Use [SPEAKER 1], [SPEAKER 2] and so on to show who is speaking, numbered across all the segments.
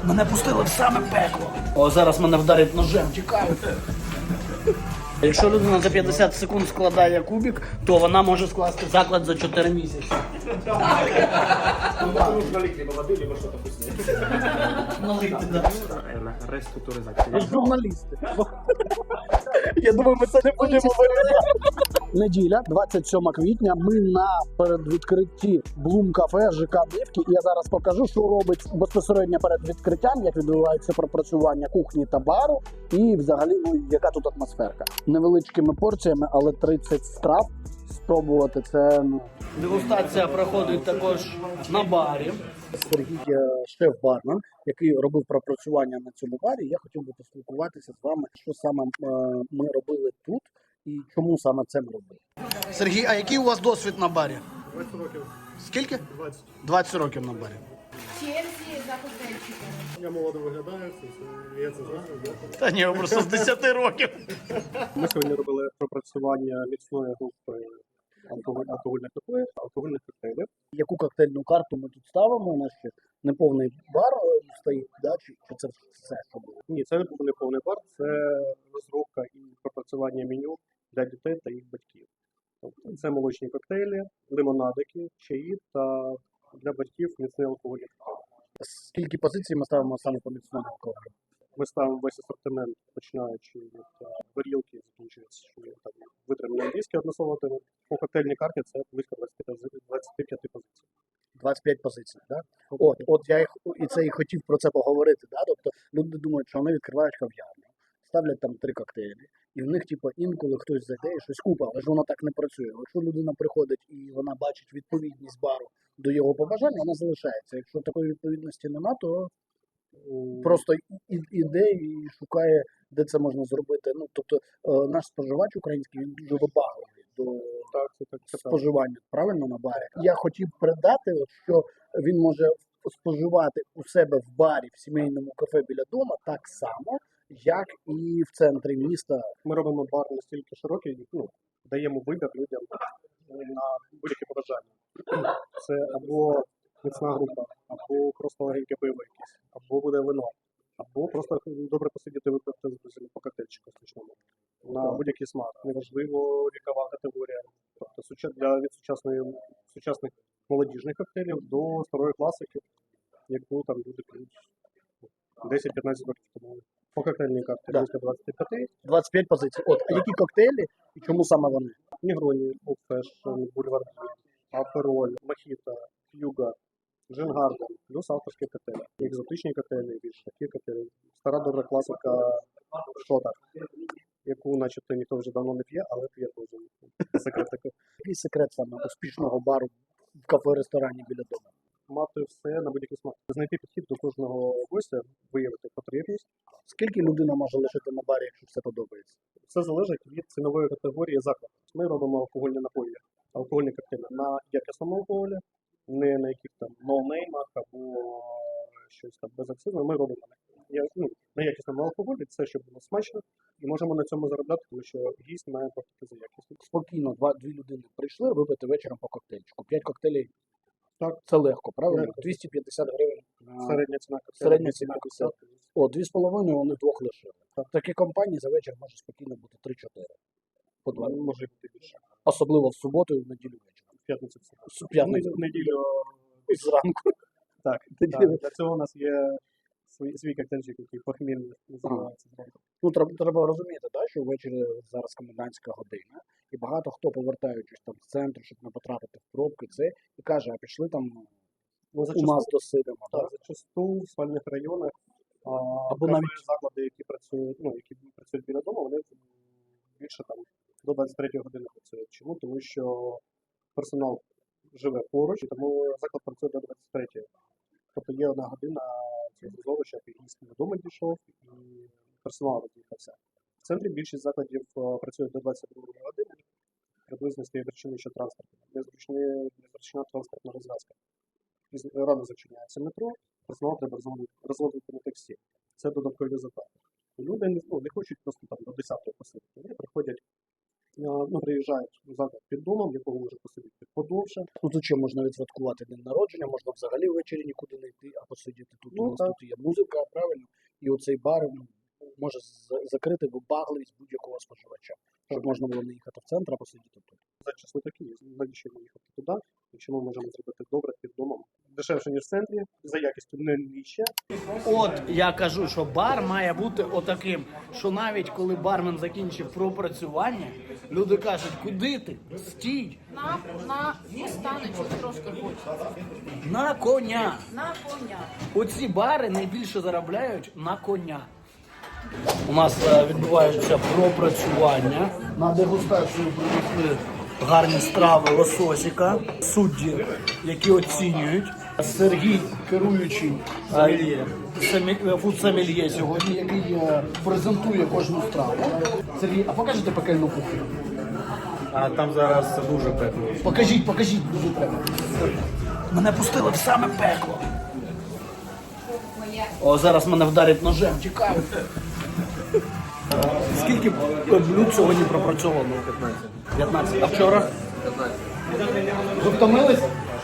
[SPEAKER 1] Мене пустили в саме пекло. О, зараз мене вдарять ножем, тікаю. Якщо людина за 50 секунд складає кубик, то вона може скласти заклад за 4 місяці.
[SPEAKER 2] Нужно либо воды, либо что-то вкусное.
[SPEAKER 1] Налити, да.
[SPEAKER 2] Реструктуризация.
[SPEAKER 1] Журналісти. Я думаю, ми це не будемо вирішувати. Неділя, 27 квітня, ми на передвідкритті Блум кафе ЖК Дивки. І я зараз покажу, що робить безпосередньо перед відкриттям, як відбувається пропрацювання кухні та бару, і взагалі, яка тут атмосферка. Невеличкими порціями, але 30 страв спробувати це. Дегустація проходить також на барі. Сергій шеф-бармен, який робив пропрацювання на цьому барі. Я хотів би поспілкуватися з вами, що саме ми робили тут і чому саме це ми робили. Сергій, а який у вас досвід на барі?
[SPEAKER 2] 20 років.
[SPEAKER 1] Скільки?
[SPEAKER 2] 20.
[SPEAKER 1] 20 років на барі.
[SPEAKER 3] Черзі за коктейльчиками.
[SPEAKER 2] Я молодо виглядаю, я це знаю.
[SPEAKER 1] Та ні, просто з 10 років.
[SPEAKER 2] Ми сьогодні робили пропрацювання міцної групи алкогольних напоїв, алкогольних коктейлів.
[SPEAKER 1] Яку коктейльну карту ми тут ставимо? У нас ще неповний бар стоїть, да? Чи це все, що було?
[SPEAKER 2] Ні, це не був не повний бар, це розробка і пропрацювання меню для дітей та їх батьків. Тобто це молочні коктейлі, лимонадики, чаї та для батьків міцний алкогольний коктейль.
[SPEAKER 1] Скільки позицій ми ставимо саме по міцному алкоголю?
[SPEAKER 2] Ми ставимо весь асортимент, починаючи від горілки, закінчуючи там витримані англійські односолоти. По коктейльній карті це близько 25 позицій.
[SPEAKER 1] 25 позицій, да? От я і хотів про це поговорити, да? Тобто люди думають, що вони відкривають кав'ярню, ставлять там 3 коктейлі, і в них інколи хтось зайде і щось купить, але ж воно так не працює. Якщо людина приходить і вона бачить відповідність бару до його побажань, вона залишається. Якщо такої відповідності нема, то просто іде і шукає, де це можна зробити. Ну, тобто наш споживач український, він дуже вибагливий до споживання, правильно, на барі. Я хотів передати, що він може споживати у себе в барі, в сімейному кафе біля дому так само, як і в центрі міста.
[SPEAKER 2] Ми робимо бар настільки широкий, даємо вибір людям на будь-які побажання. Це або міцна група, або просто легеньке пиво якесь, або буде вино, або просто добре посидіти випити з друзями по коктейльчику смачному. На будь-який смак. Неважливо вікова категорія. Тобто від сучасних молодіжних коктейлів до старої класики, яку там люди п'ють 10-15 років тому. По коктейльній карті близько 25.
[SPEAKER 1] 25 позицій. А які коктейлі і чому саме вони?
[SPEAKER 2] Негроні, Old-Fashion, Бульварді, Апероль, Мохіто, Ф'юга, Джингарден, плюс авторські коктейлі. Екзотичні коктейлі, більш такі коктейлі. Стара добра класика Шота, яку начебто ніхто вже давно не п'є, але п'є дуже. Секрет такий.
[SPEAKER 1] Який секрет саме успішного бару в кафе-ресторані біля дому?
[SPEAKER 2] Мати все на будь-який смак. Знайти підхід до кожного гостя, виявити потрібність.
[SPEAKER 1] Скільки людина може лишити на барі, якщо все подобається?
[SPEAKER 2] Все залежить від цінової категорії закладу. Ми робимо алкогольні напої, алкогольні коктейлі на якісному алкоголі, не на яких там ноунеймах або щось там безакцизне. Ми робимо на якісному алкоголі, це щоб було смачно, і можемо на цьому заробляти, тому що гість має платити за якість.
[SPEAKER 1] Спокійно, дві людини прийшли випити вечором по коктейльчику. 5 коктейлів.
[SPEAKER 2] Так.
[SPEAKER 1] Це легко, правильно?
[SPEAKER 2] Легко.
[SPEAKER 1] 250 гривень.
[SPEAKER 2] Середня ціна коктейлю.
[SPEAKER 1] Середня ціна коктейлю. 2,5 вони вдвох лишили. Такі компанії за вечір може спокійно бути 3-4. По 2.
[SPEAKER 2] Може бути більше.
[SPEAKER 1] Особливо в суботу і в неділю вечором.
[SPEAKER 2] В п'ятницю все.
[SPEAKER 1] В п'ятницю.
[SPEAKER 2] В неділю
[SPEAKER 1] Зранку.
[SPEAKER 2] так. Для цього у нас є свій коктейльчик, який похмільний називається.
[SPEAKER 1] Треба розуміти, що ввечері зараз комендантська година, і багато хто, повертаючись там з центру, щоб не потрапити в пробки, і каже, а пішли там у нас досидимо.
[SPEAKER 2] Так, зачасту в спальних районах
[SPEAKER 1] або навіть
[SPEAKER 2] заклади, які працюють біля дому, вони більше там до 23 години працюють. Чому? Тому що персонал живе поруч, і тому заклад працює до 23. Тобто є 1 година цього щоб гість додому дійшов, і персонал роз'їхався. В центрі більшість закладів працюють до 22 години, приблизно з тієї причини, що незручна транспортна розв'язка. Рано зачиняється метро, персонал треба розводити на таксі. Це додаткові затрати. Люди не хочуть просто там до 10-ї посидіти. Вони приходять приїжджають заклад під домом, якого може посидіти подовше.
[SPEAKER 1] Ну тут ще можна відсвяткувати день народження, можна взагалі ввечері нікуди не йти, а посидіти тут.
[SPEAKER 2] Ну,
[SPEAKER 1] У нас
[SPEAKER 2] так.
[SPEAKER 1] тут є музика, правильно, і оцей бар може закрити вибагливість будь-якого споживача, щоб можна було не їхати в центр, а посидіти тут.
[SPEAKER 2] Зараз не такі, навіщо ми їхати туди, якщо ми можемо зробити добре під домом. Дешевше, ніж в центрі, за якістю не нижче.
[SPEAKER 4] От я кажу, що бар має бути отаким, що навіть коли бармен закінчив пропрацювання, люди кажуть, куди ти? Стій!
[SPEAKER 3] На останочок трошки хочеться.
[SPEAKER 4] На коня!
[SPEAKER 3] На коня.
[SPEAKER 4] Оці бари найбільше заробляють на коня. У нас відбуваються пропрацювання. На дегустацію принесли гарні страви лососіка, судді, які оцінюють. Сергій, керуючий фуд-сомельє сьогодні, який презентує кожну страву. Сергій, а покажете пекельну кухню?
[SPEAKER 5] А там зараз дуже пекло.
[SPEAKER 4] Покажіть, дуже треба. Мене пустили в саме пекло. О, зараз мене вдарять ножем, тікаю. Скільки блюд сьогодні пропрацьовано? 15. А вчора? 15. Ви втомились?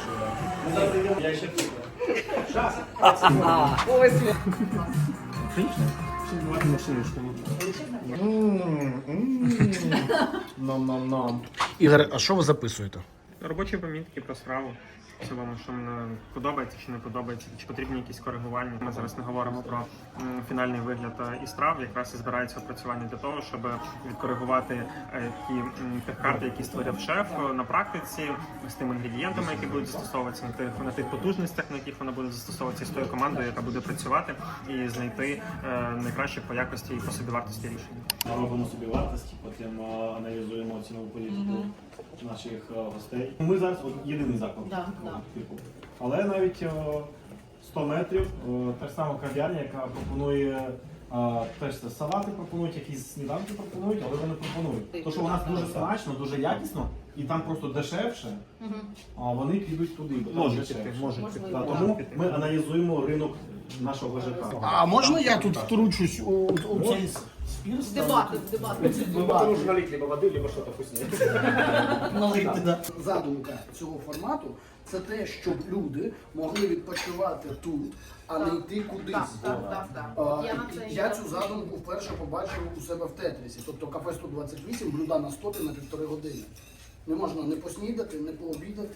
[SPEAKER 5] Нам.
[SPEAKER 1] Ігор, а що ви записуєте?
[SPEAKER 6] Робочі помітки про справу. В цілому, що мені подобається чи не подобається, чи потрібні якісь коригування. Ми зараз не говоримо про фінальний вигляд і страв. Якраз і збирається опрацювання для того, щоб відкоригувати ті карти, які створив шеф на практиці, з тими інгредієнтами, які будуть застосовуватися на тих потужностях, на яких вона буде застосовуватися, з тою командою, яка буде працювати, і знайти найкраще по якості і по собівартості рішення.
[SPEAKER 5] Робимо собі вартості, потім аналізуємо цінову політику наших гостей. Ми зараз єдиний заклад.
[SPEAKER 3] Да.
[SPEAKER 5] Але навіть 100 метрів та ж сама кав'ярня, яка пропонує теж це салати пропонують, якісь сніданки пропонують, але вони пропонують. Тому що у нас дуже смачно, дуже якісно, і там просто дешевше, а вони підуть туди.
[SPEAKER 6] Можуть піти.
[SPEAKER 5] Тому ми аналізуємо ринок нашого ЖК.
[SPEAKER 1] А можна я тут втручусь у цей спір?
[SPEAKER 3] Дебати.
[SPEAKER 5] Нужно налить либо води, либо щось вкусне.
[SPEAKER 1] Задумка цього формату – це те, щоб люди могли відпочивати тут, а не йти кудись.
[SPEAKER 3] Так.
[SPEAKER 1] Я цю задумку вперше побачив у себе в Тетрісі. Тобто кафе 128, блюда на стопі на 1,5 години. Не можна не поснідати, не пообідати.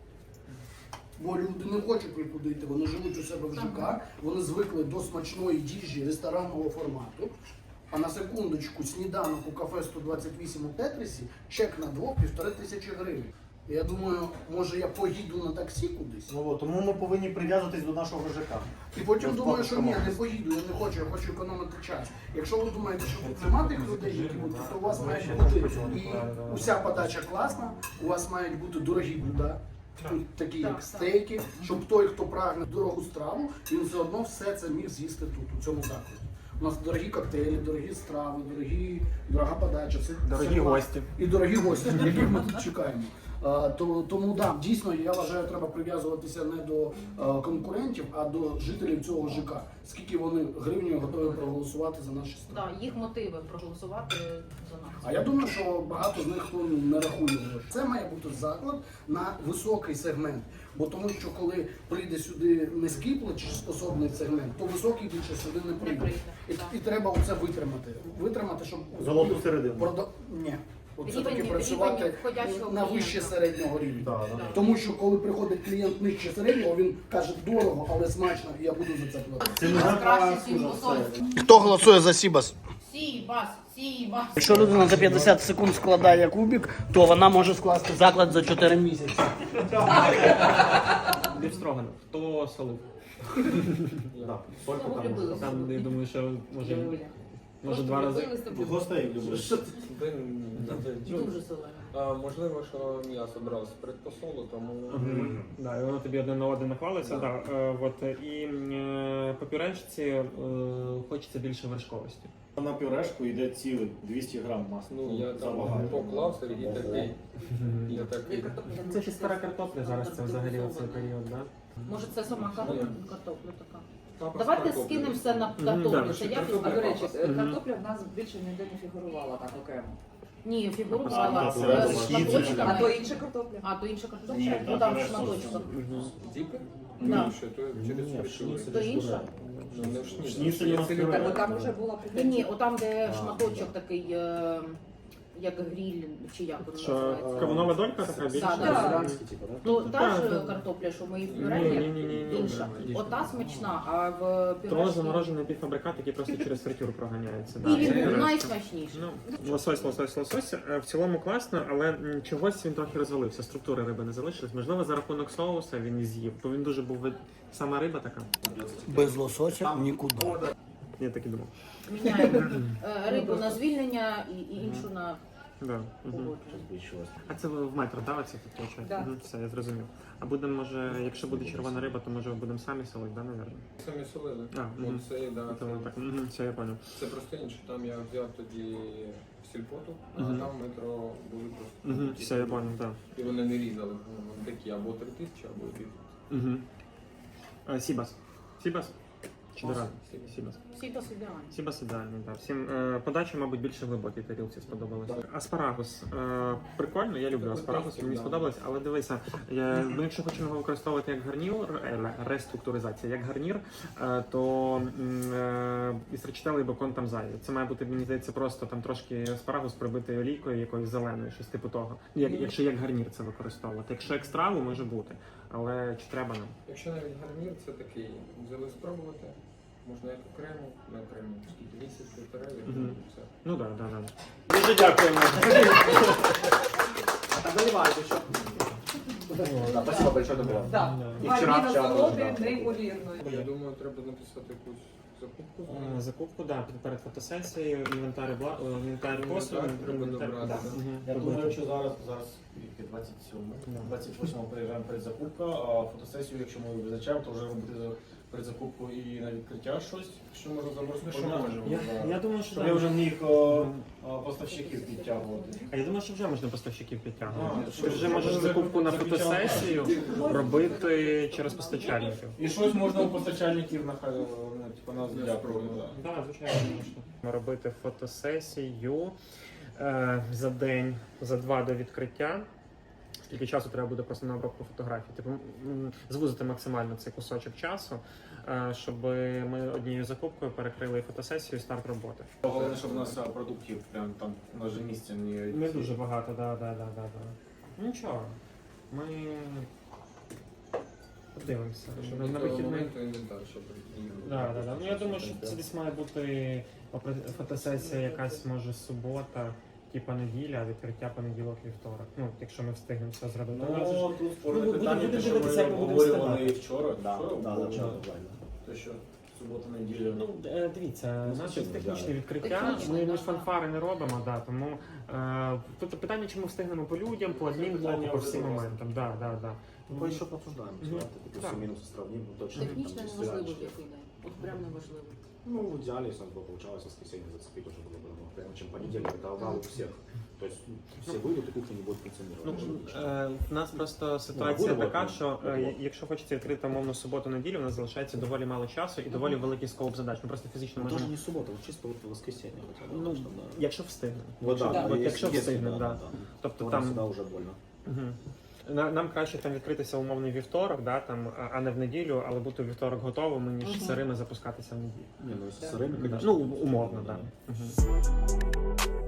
[SPEAKER 1] Бо люди не хочуть нікуди йти, вони живуть у себе в ЖК, вони звикли до смачної їжі ресторанного формату. А на секундочку, сніданок у кафе 128 у Тетрісі, чек на двох 1500 гривень. І я думаю, може я поїду на таксі кудись?
[SPEAKER 5] Тому ми повинні прив'язуватись до нашого ЖК.
[SPEAKER 1] І потім думаю, що ні, не поїду, я не хочу, я хочу економити час. Якщо ви думаєте, що тут нема тих людей, які будуть, то у вас має бути і уся подача класна, у вас мають бути дорогі блюда, такі як стейки, щоб той, хто прагне дорогу страву, він все одно все це міг з'їсти тут, у цьому закладі. У нас дорогі коктейлі, дорогі страви, дорога подача, все
[SPEAKER 6] Дорогі гості.
[SPEAKER 1] І дорогі гості, яких ми тут чекаємо. Тому да, дійсно, я вважаю, треба прив'язуватися не до конкурентів, а до жителів цього ЖК. Скільки вони гривнею готові проголосувати за наші страви.
[SPEAKER 3] Так, їх мотиви проголосувати за нас.
[SPEAKER 1] А я думаю, що багато з них не рахує. Це має бути заклад на високий сегмент. Бо тому що коли прийде сюди низький платіжоспособний сегмент, то високий більше сюди не прийде. І треба оце витримати. Витримати, щоб
[SPEAKER 5] Золоту середину.
[SPEAKER 1] Ні. Оце
[SPEAKER 3] Рівень-
[SPEAKER 1] таки
[SPEAKER 3] рівень
[SPEAKER 1] працювати
[SPEAKER 3] входящого
[SPEAKER 1] на вище
[SPEAKER 3] клієнта.
[SPEAKER 1] середнього рівня. Тому що коли приходить клієнт нижче середнього, він каже дорого, але смачно, і я буду за це платити.
[SPEAKER 5] Це не
[SPEAKER 3] Краще
[SPEAKER 5] за
[SPEAKER 3] посольство.
[SPEAKER 1] Хто голосує за Сібас?
[SPEAKER 3] Сібас.
[SPEAKER 4] Якщо людина за 50 секунд складає кубик, то вона може скласти заклад за 4 місяці.
[SPEAKER 7] Бівстроганов. Хто солив? Там, я думаю, що може 2 рази.
[SPEAKER 5] Гостей любиш.
[SPEAKER 3] Дуже солено.
[SPEAKER 8] Можливо, що м'ясо брав з предпосолу, тому
[SPEAKER 6] Да, і воно тобі одне на один нахвалиться. Да. І по пюрешці хочеться більше вершковості.
[SPEAKER 5] На пюрешку йде цілий 200 грам масла.
[SPEAKER 8] ну я там
[SPEAKER 5] Забагато.
[SPEAKER 8] поклав, Сергій такий. Я такий.
[SPEAKER 6] Це ще стара картопля зараз, це взагалі оцей період, да?
[SPEAKER 3] Може це сама картопля така.
[SPEAKER 8] Папа
[SPEAKER 3] Давайте
[SPEAKER 8] з картоплею.
[SPEAKER 3] скинемо все на
[SPEAKER 6] Да,
[SPEAKER 3] картоплю. Це
[SPEAKER 8] що
[SPEAKER 3] якість
[SPEAKER 8] картопля.
[SPEAKER 3] картопля.
[SPEAKER 9] Картопля в нас більше ніде не фігурувала так окремо.
[SPEAKER 3] Ні, фігуру
[SPEAKER 6] А,
[SPEAKER 3] брала
[SPEAKER 6] це
[SPEAKER 3] з
[SPEAKER 5] схід,
[SPEAKER 3] шматочками.
[SPEAKER 9] А то інша картопля.
[SPEAKER 3] А, то інша картопля?
[SPEAKER 1] Ні,
[SPEAKER 3] Ну там
[SPEAKER 1] це
[SPEAKER 3] шматочком.
[SPEAKER 8] Діпи?
[SPEAKER 3] Да.
[SPEAKER 8] Ну, що, то через фритюри.
[SPEAKER 3] То інша?
[SPEAKER 8] Ну, не в шніцель.
[SPEAKER 5] Шніцель у нас
[SPEAKER 8] Шніцель
[SPEAKER 5] пюре.
[SPEAKER 9] Бо там вже була
[SPEAKER 3] Ні, отам, де шматочок такий, як гріль, чи як воно
[SPEAKER 6] Що
[SPEAKER 3] називається.
[SPEAKER 6] кавунова долька така більша?
[SPEAKER 3] Да.
[SPEAKER 1] типу, да?
[SPEAKER 3] Ну, та ж
[SPEAKER 6] Так.
[SPEAKER 3] картопля, що ми її в
[SPEAKER 6] Ні,
[SPEAKER 3] пюре,
[SPEAKER 6] ні, ні, ні.
[SPEAKER 3] інша. Ота смачна, а в
[SPEAKER 6] То
[SPEAKER 3] пюре...
[SPEAKER 6] заморожений півфабрикат, який просто через фритюр проганяється. Да,
[SPEAKER 3] І
[SPEAKER 6] це
[SPEAKER 3] він був
[SPEAKER 6] інтересно.
[SPEAKER 3] найсмачніший.
[SPEAKER 6] Ну, лосось. В цілому класно, але чогось він трохи розвалився. Структури риби не залишилась. Можливо, за рахунок соуса він і з'їв, бо він дуже був сама риба така.
[SPEAKER 4] Без лосося нікуди.
[SPEAKER 6] Я так і думав.
[SPEAKER 3] Міняємо рибу на звільнення і іншу на
[SPEAKER 6] Да.
[SPEAKER 3] погодження.
[SPEAKER 6] А це в метро, да, оце тут виходить?
[SPEAKER 9] Да.
[SPEAKER 6] Все, я зрозумів. А будемо, може, якщо буде червона риба, то може будемо самі солити, да, напевно?
[SPEAKER 8] Самі солили.
[SPEAKER 6] А, мгм.
[SPEAKER 8] Оце, да,
[SPEAKER 6] То воно так. Мгм, все, я понял.
[SPEAKER 8] це просто інше. Там я взяв тоді сільпоту, а
[SPEAKER 6] Мгм.
[SPEAKER 8] там метро були просто.
[SPEAKER 6] Угу,
[SPEAKER 8] такі.
[SPEAKER 6] все, я понял, так.
[SPEAKER 8] І вони не різали. Такі або 3000, або 2000.
[SPEAKER 6] Угу. Сібас. Сібас? Чи Доран?
[SPEAKER 8] Сібас.
[SPEAKER 6] Сібас.
[SPEAKER 3] Всі досить ідеальні.
[SPEAKER 6] Сібас ідеальний, так. Всім подача, мабуть, більше глибокій тарілці сподобалося. Аспарагус. Прикольно, я люблю аспарагус, мені сподобалось, але дивися, ми якщо хочемо його використовувати як гарнір, реструктуризація, як гарнір, то із речителий бекон там зайвий. Це має бути, мені здається, просто там трошки аспарагус прибитий олійкою якоюсь зеленою, щось типу того. Якщо як гарнір це використовувати. Якщо як страву, може бути. Але чи треба нам?
[SPEAKER 8] Якщо навіть гарнір, це такий, взяли спробувати. Можна як окремо, не окремо, скільки місяць, півтора, і
[SPEAKER 6] Мгм.
[SPEAKER 8] все.
[SPEAKER 6] Ну так, так, так.
[SPEAKER 5] Дуже дякуємо.
[SPEAKER 1] Спасибо большое, добро.
[SPEAKER 9] Так.
[SPEAKER 1] І вчора
[SPEAKER 9] Валіна
[SPEAKER 1] вчора
[SPEAKER 9] солоди
[SPEAKER 1] теж, да.
[SPEAKER 9] неймовірно.
[SPEAKER 8] Я думаю, треба написати якусь закупку.
[SPEAKER 6] Закупку, да, перед фотосесією, інвентар посуду.
[SPEAKER 8] Треба добрати.
[SPEAKER 5] Я думаю, що зараз 28-го приїжджаємо передзакупка, а фотосесію, якщо ми визначаємо, то вже буде передзакупку і на відкриття щось, що можна забросити.
[SPEAKER 8] Що можемо.
[SPEAKER 6] Я думаю, що
[SPEAKER 5] Щоб
[SPEAKER 6] да.
[SPEAKER 5] я вже міг поставщиків підтягувати.
[SPEAKER 6] А я думаю, що вже можна поставщиків підтягувати.
[SPEAKER 5] А,
[SPEAKER 6] Ти вже можеш
[SPEAKER 5] що,
[SPEAKER 6] закупку на
[SPEAKER 5] заключали?
[SPEAKER 6] фотосесію робити через постачальників.
[SPEAKER 5] І щось можна у постачальників нас дякувати.
[SPEAKER 6] Так, звичайно, можна. Робити фотосесію за день, за 2 до відкриття. Скільки часу треба буде просто на обробку фотографій? Типу, звузити максимально цей кусочок часу, щоб ми однією закупкою перекрили і фотосесію, і старт роботи.
[SPEAKER 5] Головне, щоб у нас продуктів прям там у нас же місця
[SPEAKER 6] Не дуже багато, да. Нічого. Ми подивимося.
[SPEAKER 8] Щоб
[SPEAKER 6] На
[SPEAKER 8] до того
[SPEAKER 6] вихідний.
[SPEAKER 8] моменту інвентар, щоб їхати.
[SPEAKER 6] Да. Ну я думаю, що це десь має бути фотосесія якась, може, субота, типа неділя, а відкриття понеділок-вівторок. Ну, якщо ми встигнемо все зробити.
[SPEAKER 5] Ну, тут спорне
[SPEAKER 6] буде
[SPEAKER 5] питання, те, що
[SPEAKER 6] дивитися, як
[SPEAKER 5] ми
[SPEAKER 6] ми будемо
[SPEAKER 5] обговорювали
[SPEAKER 6] встигати.
[SPEAKER 5] вчора. Те, що субота-неділя.
[SPEAKER 6] Ну, дивіться, наше технічне відкриття,
[SPEAKER 3] Технічне,
[SPEAKER 6] ми
[SPEAKER 3] да.
[SPEAKER 6] ж фанфари не робимо, да, тому тут питання, чи ми встигнемо по людям, по адмінблоку, по всім моментам. Да.
[SPEAKER 10] Ну, еще пообсуждаем,
[SPEAKER 6] Мгм.
[SPEAKER 10] давайте
[SPEAKER 6] Так.
[SPEAKER 10] плюсы-минусы сравним, ну, точно.
[SPEAKER 3] Технічно
[SPEAKER 10] там,
[SPEAKER 3] неважливо,
[SPEAKER 10] если
[SPEAKER 3] в який день. От прям неважливо.
[SPEAKER 10] Ну, в идеале, если у нас бы получалось воскресенье зацепить, уже было бы намного прямо, чем понедельник, это аврал у всех. То есть все выйдут, и кухня не будет функционировать.
[SPEAKER 6] У нас просто ситуація
[SPEAKER 10] буде
[SPEAKER 6] така,
[SPEAKER 10] вот,
[SPEAKER 6] що
[SPEAKER 10] вот.
[SPEAKER 6] якщо хочеться відкрити умовно суботу-неділю, у нас залишається доволі мало часу і доволі великий скоп задач. Ми просто фізично
[SPEAKER 10] Ну, тоже
[SPEAKER 6] можемо.
[SPEAKER 10] не суббота, вот чисто вот воскресенье хотя бы.
[SPEAKER 6] Ну,
[SPEAKER 10] потому что, да.
[SPEAKER 6] якщо встигнемо.
[SPEAKER 10] Вот да,
[SPEAKER 9] Да.
[SPEAKER 6] От якщо
[SPEAKER 10] если,
[SPEAKER 6] встигнемо, да. Тобто
[SPEAKER 10] То
[SPEAKER 6] там
[SPEAKER 10] всегда уже больно.
[SPEAKER 6] Мгм. Нам краще там відкритися умовний вівторок, да, там, а не в неділю, але бути у вівторок готовими, ніж сирими запускатися в неділю.
[SPEAKER 10] Не, ну если с сырыми,
[SPEAKER 6] Да.
[SPEAKER 10] конечно.
[SPEAKER 6] Ну, умовно,
[SPEAKER 10] да.
[SPEAKER 6] так. Да. Мгм.